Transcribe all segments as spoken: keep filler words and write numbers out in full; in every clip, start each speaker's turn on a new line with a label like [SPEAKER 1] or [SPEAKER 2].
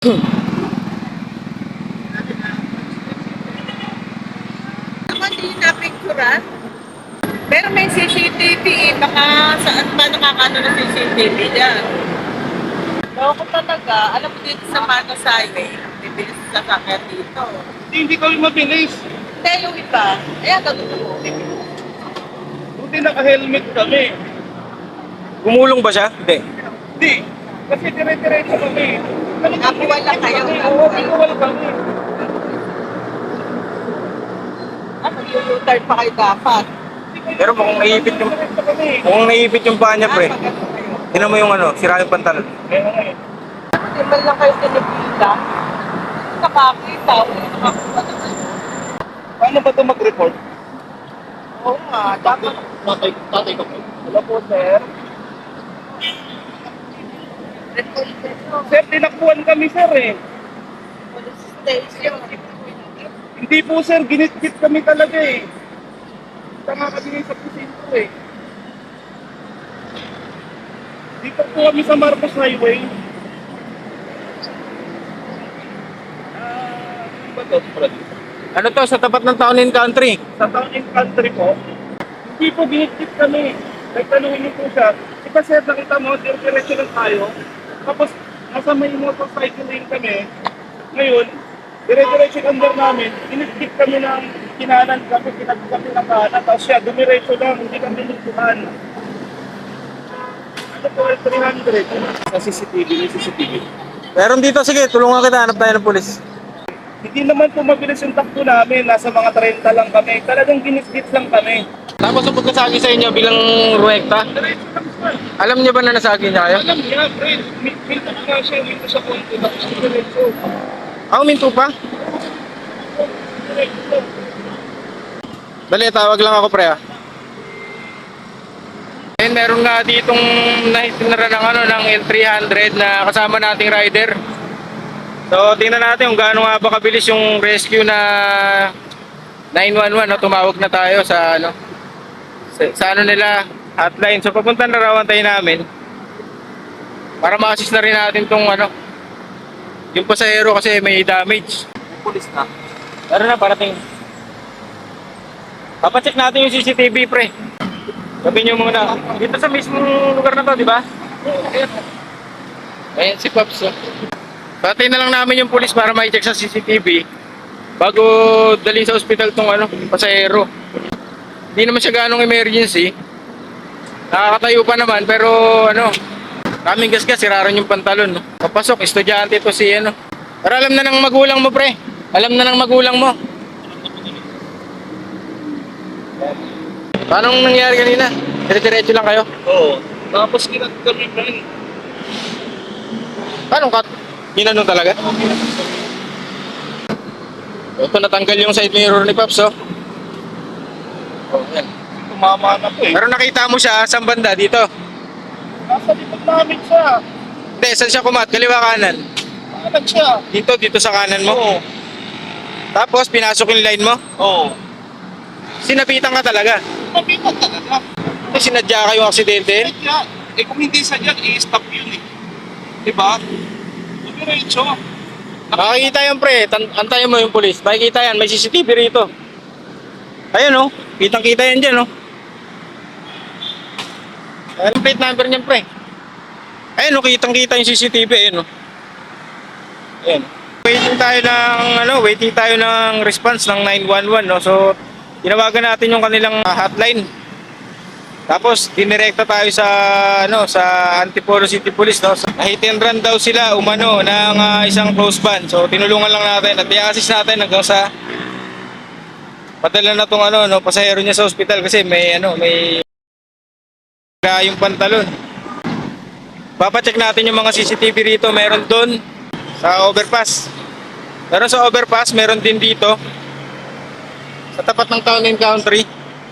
[SPEAKER 1] Ako hindi na-picturean. Pero may C C T V eh. Baka saan pa nakakano ng C C T V dyan. Loko talaga. Alam mo dito sa Manos Highway, bibilis sa sasakyan dito.
[SPEAKER 2] Hindi kami mabilis.
[SPEAKER 1] Hindi, yung iba. Ayan, gagawin.
[SPEAKER 2] Buti naka-helmet kami.
[SPEAKER 3] Gumulong ba siya? Hindi.
[SPEAKER 2] Hindi. Kasi dire-diretso kami.
[SPEAKER 1] Nakabuwal lang kayo.
[SPEAKER 2] Oo, pinuwal kami.
[SPEAKER 1] Ano, mag-u-turn pa kayo dapat.
[SPEAKER 3] Pero mukhang naipit yung
[SPEAKER 2] Diretso kami.
[SPEAKER 3] mukhang naipit yung paa niya,
[SPEAKER 1] Ah,
[SPEAKER 3] pre.
[SPEAKER 1] maganda kayo.
[SPEAKER 3] Tingnan mo yung ano, sira yung pantalon.
[SPEAKER 2] Kaya nga eh.
[SPEAKER 1] Hindi man lang kayo tinipila. Nakakita. Wala nakakuha na kayo.
[SPEAKER 2] Paano ba ito mag-report?
[SPEAKER 1] Oo nga, dapat.
[SPEAKER 2] Tatay, tatay ko po. Hello po, sir.
[SPEAKER 1] Report nyo.
[SPEAKER 2] Sir, tinakbuhan kami, sir eh.
[SPEAKER 1] Police station.
[SPEAKER 2] Hindi po, sir. Ginit-git kami talaga eh. Tama kami sa presinto eh. Dito po kami sa Marcos Highway. Ah, ano ba ito? Brad?
[SPEAKER 3] Ano to, sa tapat ng Town and Country?
[SPEAKER 2] Sa town and country po, hindi po ginit-git kami. Nagtanungin niyo po siya. Diba sir, nakita mo, dire-diretso lang tayo. Tapos, nasa may motorcycle lane kami. Ngayon, dire-diretso yung under namin. Ginit-git kami ng kinanan kami, kinagit kami ng kanan. Tapos siya, dumiretso lang, hindi kami nagtuhan. Ano po, three hundred? Sa C C T V, may C C T V.
[SPEAKER 3] Meron dito, sige, tulungan kita, hanap tayo ng pulis.
[SPEAKER 2] Hindi naman po mabilis yung takbo namin. Nasa mga thirty lang kami. Talagang ginit-git lang kami.
[SPEAKER 3] Tapos ang pagkasagi sa inyo bilang ruwekta,
[SPEAKER 2] Diretso lang sir.
[SPEAKER 3] alam niyo ba na nasagi niya kayo?
[SPEAKER 2] Alam niya, friend, minto ko nga siya, minto sa konto, tapos diretso.
[SPEAKER 3] Ah, uminto pa?
[SPEAKER 2] Diretso.
[SPEAKER 3] Dali, tawag lang ako, pre, ah. Ayun, meron nga ditong nahitinara ng, ano, ng L three hundred na kasama nating rider. So, tingnan natin kung gaano nga ba kabilis yung rescue na nine one one, no? Tumawag na tayo sa, ano, sa, sa ano nila, hotline. So, papunta na raw, antayin namin para ma-assist na rin natin tong, ano, yung pasahero kasi may damage. Pulis na. Tara na, parating. Papacheck natin yung C C T V, pre. Sabi nyo muna. Dito sa mismong lugar na to, di ba? Ayan si Pops. Oh. Patay na lang namin yung pulis para ma-check sa C C T V bago dalhin sa ospital tong ano, pasahero. Hindi naman siya ganong emergency. Nakakatayo pa naman pero ano, kaming gasgas, siraran yung pantalon. No? Papasok, estudyante to si ano. Pero alam na ng magulang mo, pre. Alam na ng magulang mo. Paano nangyari kanina? Dire-diretso lang kayo?
[SPEAKER 2] Oo. Tapos kinag kami pa rin.
[SPEAKER 3] Paano kat? Ginanong talaga? Ito, natanggal yung side mirror ni Pops, oh. Oh, yan.
[SPEAKER 2] Tumama na po eh.
[SPEAKER 3] Pero nakita mo siya, saan banda? Dito?
[SPEAKER 2] Nasa likod namin siya.
[SPEAKER 3] Hindi, saan siya kumat? Kaliwa kanan?
[SPEAKER 2] Kanan siya.
[SPEAKER 3] Dito, dito sa kanan mo?
[SPEAKER 2] Oo.
[SPEAKER 3] Tapos, pinasok yung line mo?
[SPEAKER 2] Oo.
[SPEAKER 3] Sinapitan ka talaga?
[SPEAKER 2] Mabigat talaga.
[SPEAKER 3] Eh, sinadya ka yung aksidente?
[SPEAKER 2] Kaya, eh kung hindi sa dyan, i-stop yun eh. Diba? Diretso.
[SPEAKER 3] Makikita yan, pre. Tan- antayin mo yung pulis. Makikita yan. May C C T V rito. Ayan, oh. Kitang-kita yan dyan, oh. Ayan ang plate number niyan, pre. Ayan, oh. Kitang-kita yung C C T V. Ayan, oh. Ayan. Waiting tayo ng, ano, waiting tayo ng response ng nine one one, no? So, tinawagan natin yung kanilang uh, hotline. Tapos, dinirekta tayo sa, ano, sa Antipolo City Police, no? So, hit and run daw sila, umano, ng uh, isang close van. So, tinulungan lang natin at i-assist natin hanggang sa padala na tong, ano, no, pasahero niya sa ospital kasi may, ano, may sira yung pantalon. Papacheck natin yung mga C C T V rito. Meron doon sa overpass. Meron sa overpass, meron din dito sa tapat ng Town and Country.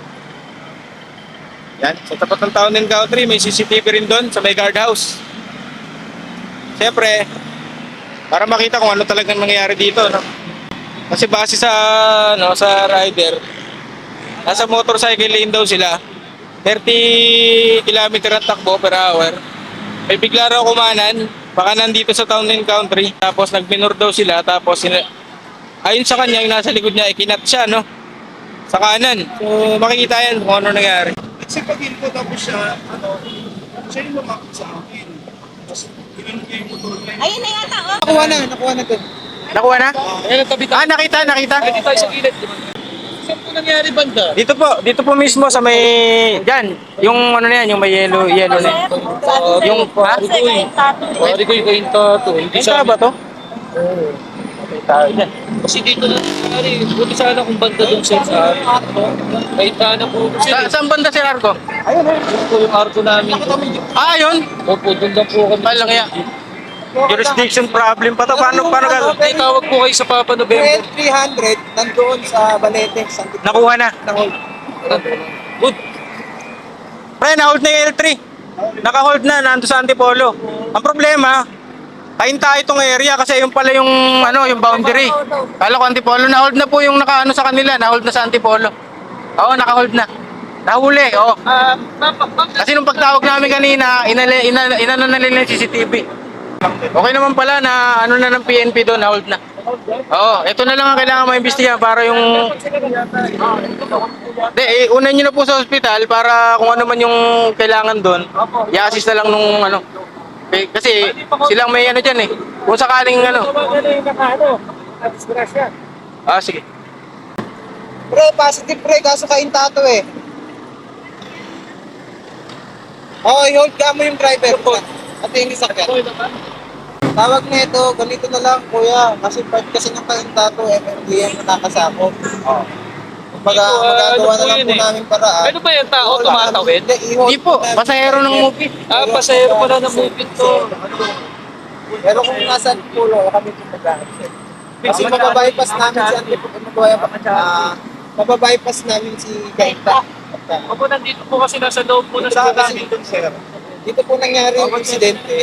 [SPEAKER 3] Yan, sa tapat ng Town and Country may C C T V rin doon sa may guardhouse. Siyempre, para makita kung ano talagang nangyayari dito, no? Kasi base sa, no, sa rider, nasa motorcycle lane daw sila, thirty kilometer ang takbo per hour. May bigla raw kumanan, baka nandito sa Town and Country. Tapos nagminor daw sila. Tapos sina- ayon sa kanya, yung nasa likod niya, ikinat siya, no? Sa kanan. So makikita yan kung ano nangyari.
[SPEAKER 2] Kasi pag ko tapos siya, ano, siya yung lumakot sa akin. Tapos, ginanong niya yung motor na yun.
[SPEAKER 4] Ayun na yata, oh.
[SPEAKER 5] Nakuha na, nakuha na doon.
[SPEAKER 3] Nakuha na?
[SPEAKER 5] Ayun ang tabi
[SPEAKER 3] Ah, nakita, nakita.
[SPEAKER 5] Dito tayo sa gilid. Saan po nangyari banda?
[SPEAKER 3] Dito po, dito po mismo sa may, dyan, yung ano na yan, yung may yellow, yellow na yan. Yung, ha?
[SPEAKER 5] Pwede ko yung tato. Hindi
[SPEAKER 3] Saan ba to?
[SPEAKER 5] Kasi dito na nangyari. Buti sana kung banda doon siya sa kahit na po. Kasi
[SPEAKER 3] Sa, saan banda si Arco?
[SPEAKER 5] doon po yung arko namin.
[SPEAKER 3] Ah, yun.
[SPEAKER 5] Opo, doon lang po kami.
[SPEAKER 3] Ay, lang yan. Jurisdiction problem pa to. Paano, paano ka?
[SPEAKER 5] May tawag po kayo sa Papa November.
[SPEAKER 4] three hundred nandoon sa Balete, San Tito.
[SPEAKER 3] Nakuha na.
[SPEAKER 5] Good.
[SPEAKER 3] Pre, na-hold na yung L three. Naka-hold na, nando sa Antipolo. Ang problema, kainta itong area kasi yung pala yung ano, yung boundary. Kala ko Antipolo, na-hold na po yung naka-ano sa kanila, na-hold na sa Antipolo. Oo, naka-hold na. Nahuli, oo.
[SPEAKER 1] Ah, ma'am, ma'am,
[SPEAKER 3] Kasi nung pagtawag namin kanina, inali, inano inano na nila yung C C T V. Okay naman pala na ano na ng P N P doon, na-hold na. Oo, ito na lang ang kailangan maimbestigahan para yung... Hindi, eh, unan nyo na po sa ospital para kung ano man yung kailangan doon, i-assist na lang nung ano. Eh, kasi silang may ano dyan eh. Kung sakaling ano. Ah, sige.
[SPEAKER 4] Pre, positive pre, kaso kaintato eh. Oo, i-hold ka mo yung driver mo. At yung isakyan. Tawag na ito, ganito na lang kuya. Kasi part kasi ng kaintato, M M D M na nakasako. Oo. Kumbaga,
[SPEAKER 5] Dito, ah,
[SPEAKER 4] magagawa
[SPEAKER 5] ano
[SPEAKER 4] na
[SPEAKER 5] po
[SPEAKER 4] lang
[SPEAKER 5] yun
[SPEAKER 4] po
[SPEAKER 5] eh?
[SPEAKER 4] namin paraan.
[SPEAKER 5] Ano ba yung tao
[SPEAKER 4] Wala.
[SPEAKER 5] tumatawid?
[SPEAKER 4] Hindi, i-hold
[SPEAKER 3] Hindi po,
[SPEAKER 4] namin.
[SPEAKER 3] pasahero ng movie.
[SPEAKER 5] Ah, pasahero pala ng movie to.
[SPEAKER 4] Pero kung nasa pulo, kami po mag-accept. Kasi mababypass namin si Ante ah mababypass namin si Gaita.
[SPEAKER 5] Opo, nandito po kasi nasa loob po na
[SPEAKER 4] Dito
[SPEAKER 5] sa
[SPEAKER 4] po kasi dito po nangyari yung insidente.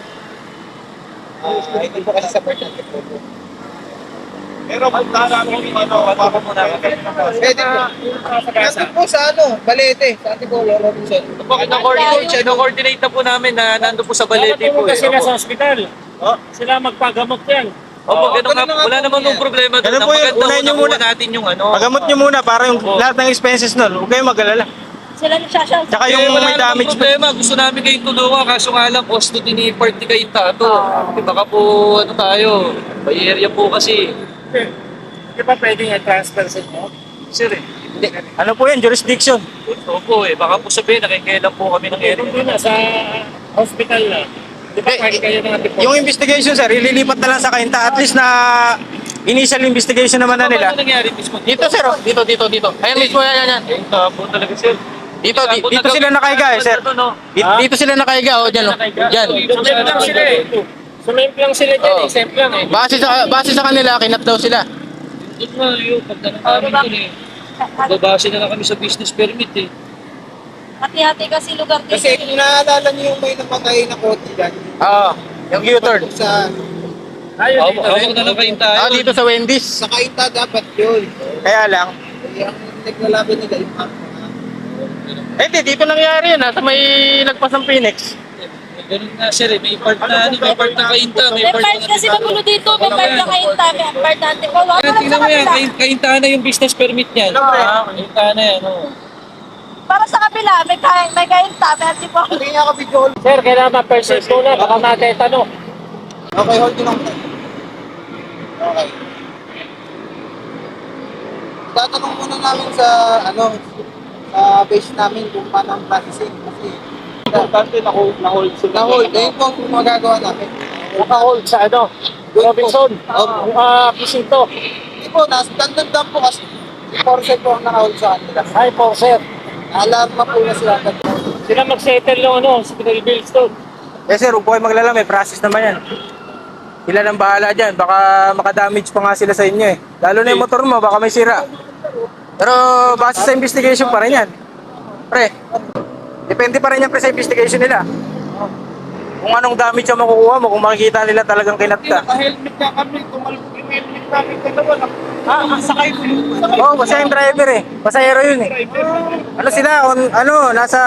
[SPEAKER 4] Ah, hindi po kasi sa part ng
[SPEAKER 2] Pero punta namin yung ano, papa mo namin.
[SPEAKER 4] Pwede po. Nandun po sa ano, Balete, sa Antipolo, Robinson.
[SPEAKER 5] Bakit na-coordinate, na-coordinate na po namin na nandun po sa Balete po eh.
[SPEAKER 6] sila sa
[SPEAKER 5] Opo.
[SPEAKER 6] ospital.
[SPEAKER 2] Oh.
[SPEAKER 6] Sila magpagamot yan.
[SPEAKER 5] Opo, ganun nga,
[SPEAKER 4] ganun nga
[SPEAKER 5] wala
[SPEAKER 4] po
[SPEAKER 5] naman
[SPEAKER 4] yan.
[SPEAKER 5] nung problema doon.
[SPEAKER 3] Ganun
[SPEAKER 5] Ang
[SPEAKER 3] po yun,
[SPEAKER 5] maganda
[SPEAKER 3] unahin
[SPEAKER 5] po
[SPEAKER 3] nyo
[SPEAKER 5] nakuha
[SPEAKER 3] muna.
[SPEAKER 5] natin yung ano.
[SPEAKER 3] Pagamot nyo muna para yung
[SPEAKER 5] Opo.
[SPEAKER 3] lahat ng expenses nun. Huwag kayong mag-alala.
[SPEAKER 4] Sila ni Shasha.
[SPEAKER 3] Tsaka
[SPEAKER 5] Eh,
[SPEAKER 3] yung
[SPEAKER 5] wala
[SPEAKER 3] may
[SPEAKER 5] namang
[SPEAKER 3] damage pa.
[SPEAKER 5] problema. Gusto namin kayong tulungan. Kaso nga lang, cost to tinipart ni kayo tato. Di baka po, ano tayo, may area po kasi.
[SPEAKER 6] Di ba pwedeng i-transfer sa inyo?
[SPEAKER 5] Sir eh.
[SPEAKER 3] Hindi. Ano po yan? Jurisdiction.
[SPEAKER 5] Opo eh. Baka po sabihin, nakikailan po kami ng area.
[SPEAKER 6] Kung doon na sa hospital na. Di ba
[SPEAKER 3] Eh,
[SPEAKER 6] pwede kayo ng antipolo?
[SPEAKER 3] Yung investigation, sir, ililipat na lang sa kainta. At least na initial investigation naman na nila.
[SPEAKER 5] Ano nangyari mismo?
[SPEAKER 3] Dito, sir. oh. Dito, dito, dito. Ayan mismo, yan, yan, yan.
[SPEAKER 5] Eh, tapo talaga sir.
[SPEAKER 3] Dito, di- dito sila nakahiga eh, sir. Dito, dito sila nakahiga, oh, dyan, oh. Dyan.
[SPEAKER 6] Exempt lang sila eh. Sumemp lang sila dyan,
[SPEAKER 3] Oo.
[SPEAKER 6] exempt lang eh.
[SPEAKER 3] Base sa, base sa kanila, kinat daw sila.
[SPEAKER 5] Doon nga yun, pagka namin doon eh. Babase na lang kami sa business permit eh.
[SPEAKER 4] Hati-hati kasi lugar dito.
[SPEAKER 7] Kasi kung naalala niyo yung may namatay na kotse dyan,
[SPEAKER 3] Oo. Yung U-turn.
[SPEAKER 7] sa,
[SPEAKER 6] Ayun,
[SPEAKER 5] Hawak
[SPEAKER 6] dito.
[SPEAKER 5] hawak na lang kayong tayo.
[SPEAKER 3] Ah, dito sa Wendy's.
[SPEAKER 7] sa Kainta dapat yun.
[SPEAKER 3] Kaya lang.
[SPEAKER 7] Kaya ang naglalaban nila yung mga
[SPEAKER 3] Eh, di, dito nangyari yun, ha, sa may lagpas ng Phoenix.
[SPEAKER 5] Ganun nga sir eh. May part na ano, may part na kainta, may
[SPEAKER 4] May
[SPEAKER 5] part
[SPEAKER 4] part
[SPEAKER 5] na
[SPEAKER 4] kasi magulo dito, may part na kainta, may part na Antipolo.
[SPEAKER 5] Kaya tingnan mo yan, kain- kainta na yung business permit niyan. Ah, kainta na yan, oh.
[SPEAKER 4] Para sa kabila, may kain, may kainta, may Antipolo.
[SPEAKER 7] Hindi nga ka video hold.
[SPEAKER 6] Sir, kailangan ma-persist muna, baka matetano.
[SPEAKER 7] Okay, hold nyo lang. Okay. Tatanong muna namin sa, ano, sa base namin kung paano ang processing. Kasi,
[SPEAKER 2] Importante na hold sila.
[SPEAKER 7] na-hold. Ayun po ang magagawa namin.
[SPEAKER 6] Naka-hold sa ano, Robinson,
[SPEAKER 7] Opo.
[SPEAKER 6] uh, Pisinto.
[SPEAKER 7] Hindi po, nastandard lang po kasi four set po ang naka-hold sa kanila.
[SPEAKER 6] Hi po, sir.
[SPEAKER 7] Alarma po na sila.
[SPEAKER 6] Sila mag-settle ng ano, hospital bills doon.
[SPEAKER 3] Eh, sir, huwag po kayo maglala, may process naman yan. Sila nang bahala dyan, baka makadamage pa nga sila sa inyo eh. Lalo na yung motor mo, baka may sira. Pero base sa investigation pa rin yan. Pre, depende pa rin yan pre sa investigation nila. Kung anong damage ang makukuha mo, kung makikita nila talagang kinat ka.
[SPEAKER 2] Naka-helmet nga kami, tumalbog yung helmet namin dalawa. Ah, sakay ko yung
[SPEAKER 3] Oo, oh, basta yung driver eh. Pasahero yun eh. Ano sila, on, ano, nasa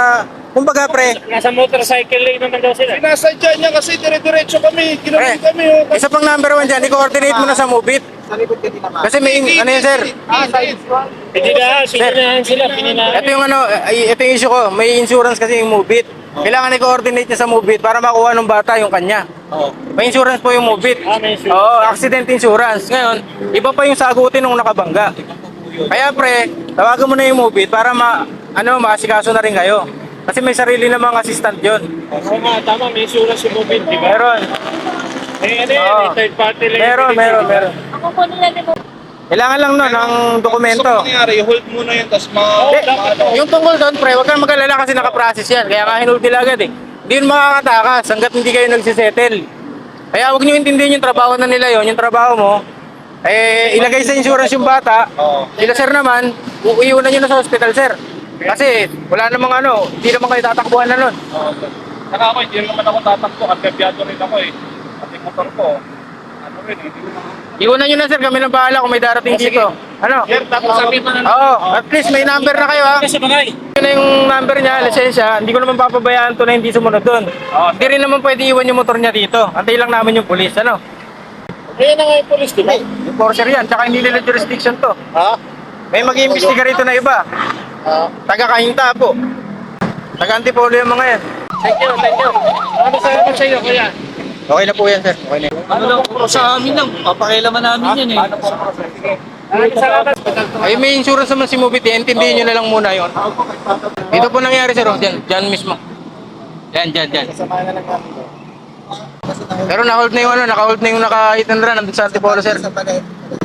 [SPEAKER 3] Kumbaga, pre,
[SPEAKER 6] Nasa motorcycle lane naman daw sila.
[SPEAKER 2] Sinasadya niya kasi dire-diretso kami. Ginawa
[SPEAKER 3] Pre,
[SPEAKER 2] kami. Oh.
[SPEAKER 3] isa pang number one dyan, i-coordinate mo na sa Mubit.
[SPEAKER 7] Sa likod ka din naman.
[SPEAKER 3] Kasi may, ano yan, sir?
[SPEAKER 7] Ah, side squad.
[SPEAKER 6] Hindi na, pininahan sila, pininahan.
[SPEAKER 3] Ito yung ano, ay, ito yung issue ko. May insurance kasi yung Mubit. Kailangan i-coordinate niya sa Mubit para makuha ng bata yung kanya. May insurance po yung Mubit.
[SPEAKER 6] Ah, may insurance.
[SPEAKER 3] Oo, accident insurance. Ngayon, iba pa yung sagutin nung nakabangga. Kaya pre, tawagan mo na yung Mubit para ma, ano, maasikaso na rin kayo. Kasi may sarili namang assistant yun.
[SPEAKER 6] Oo nga, tama, may insurance yung mobile, di ba?
[SPEAKER 3] Meron.
[SPEAKER 6] May ano yan,
[SPEAKER 3] Oo.
[SPEAKER 6] may third party lang.
[SPEAKER 3] Meron, meron, meron. Kailangan lang nun ng dokumento.
[SPEAKER 2] So, mangyari, hold muna yun, tapos ma...
[SPEAKER 3] Hindi, yung tungkol doon, pre, huwag kang mag-alala kasi nakaprocess yan. Kaya nga hinold nila agad eh. Hindi yun makakatakas hanggat hindi kayo nagsisettle. Kaya huwag nyo intindihin yung trabaho na nila yon, yung trabaho mo. Eh, ilagay sa insurance yung bata. Sila sir naman, uuiwan na nyo na sa hospital, sir. Kasi wala namang ano, hindi naman kayo tatakbuhan na nun.
[SPEAKER 2] Saka ako, hindi naman ako tatakbo. Kampiyado rin ako eh. Pati motor ko. Ano rin eh. Hindi ko naman...
[SPEAKER 3] Iwanan nyo na sir, kami nang bahala kung may darating dito. Ano?
[SPEAKER 2] Sir, tapos sabihin mo na...
[SPEAKER 3] Oo, at least may number na kayo ha.
[SPEAKER 6] Kasi bagay.
[SPEAKER 3] Yun na yung number niya, lisensya, hindi ko naman papabayaan to na hindi sumunod doon. Hindi rin naman pwede iwan yung motor niya dito. Antay lang namin yung pulis, ano?
[SPEAKER 6] Kaya na nga yung police, di ba?
[SPEAKER 3] Yung Enforcer yan, tsaka hindi nila jurisdiction to.
[SPEAKER 6] Ha?
[SPEAKER 3] May mag-iimbestiga rito na iba. Taga-Kahinta po. Taga-Antipolo yung mga yan.
[SPEAKER 6] Thank you, thank you. Ano sa ano sa iyo, kuya?
[SPEAKER 3] Okay na po yan, sir. Okay na yan.
[SPEAKER 5] Ano lang po sa amin lang, papakialaman namin yan eh.
[SPEAKER 6] Maraming salamat.
[SPEAKER 3] Ay, may insurance naman si Mubit eh. Intindihin nyo na lang muna yon. Dito po nangyari, sir. Oh. Diyan, diyan mismo. Diyan, diyan, diyan.
[SPEAKER 7] Samahan na lang namin to. Kasi na
[SPEAKER 3] Pero na-hold na yung ano, naka-hold na yung naka-hit and run nandun sa Antipolo, sir.
[SPEAKER 7] Sa tagay.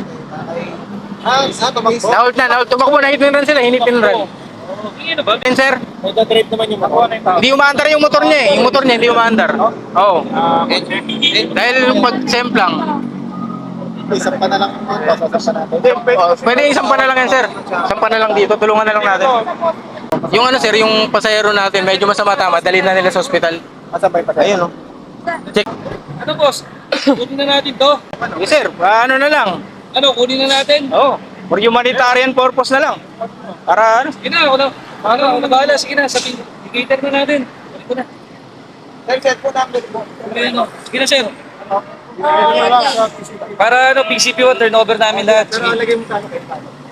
[SPEAKER 7] Ah, sa tumakbo.
[SPEAKER 3] Na-hold na, na-hold. Tumakbo na hit and run sila, hinit and run.
[SPEAKER 5] Ano ba?
[SPEAKER 3] Yan, sir.
[SPEAKER 6] Magdadrive naman yung motor.
[SPEAKER 3] Hindi umaandar yung motor niya eh. Yung motor niya hindi umaandar. Oo. Dahil yung pag-semp lang.
[SPEAKER 7] Isang pa na lang. Sasapan natin.
[SPEAKER 3] Oh, pwede isang pa na lang yan, sir. Isang pa na lang dito. Tulungan na lang natin. Yung ano, sir, yung pasahero natin, medyo masama tama. Dali na nila sa ospital.
[SPEAKER 7] Masabay pa tayo.
[SPEAKER 3] Ayun, oh. Check.
[SPEAKER 5] Ano boss? Kunin na natin to.
[SPEAKER 3] Okay, sir. Ah, ano na lang.
[SPEAKER 5] Ano, kunin na natin?
[SPEAKER 3] Oo. For humanitarian purpose na lang. Para ano?
[SPEAKER 5] Sige na, ako na. Ano, ako na bahala. Sige na, sabihin. I-cater na natin. Kunin ko na.
[SPEAKER 7] Sir, set po namin po.
[SPEAKER 5] Ano? Sige na, sir. Para ano, P C P one, turnover namin lahat.
[SPEAKER 7] Pero
[SPEAKER 5] Sige.
[SPEAKER 7] lagay mo sa akin.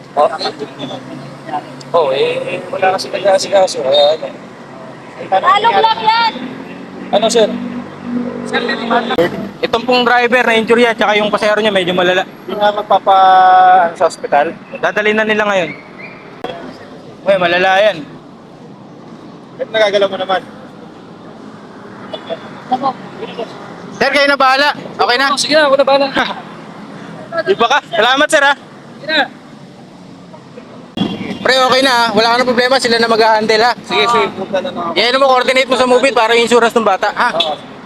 [SPEAKER 5] Oh, eh, wala kasi nag-asikaso. Kaya ano.
[SPEAKER 8] Alog lang yan!
[SPEAKER 5] Ano, sir?
[SPEAKER 3] Itong pong driver na injury at saka yung pasahero niya medyo malala.
[SPEAKER 7] Hindi nga magpapa ano, sa ospital.
[SPEAKER 3] Dadalhin na nila ngayon. Uy, malala yan.
[SPEAKER 7] Ba't nagagalaw mo naman?
[SPEAKER 3] Sir, kayo na bahala. Okay na?
[SPEAKER 5] Oh, sige na, ako na bahala.
[SPEAKER 3] Iba ka. Salamat, sir, ha?
[SPEAKER 5] Sige na.
[SPEAKER 3] Pre, okay na, ha? Wala ka na problema. Sila na mag-handle, ha?
[SPEAKER 7] Sige, sige. Punta na lang ako.
[SPEAKER 3] Yan mo, coordinate mo sa movie para yung insurance ng bata, ha?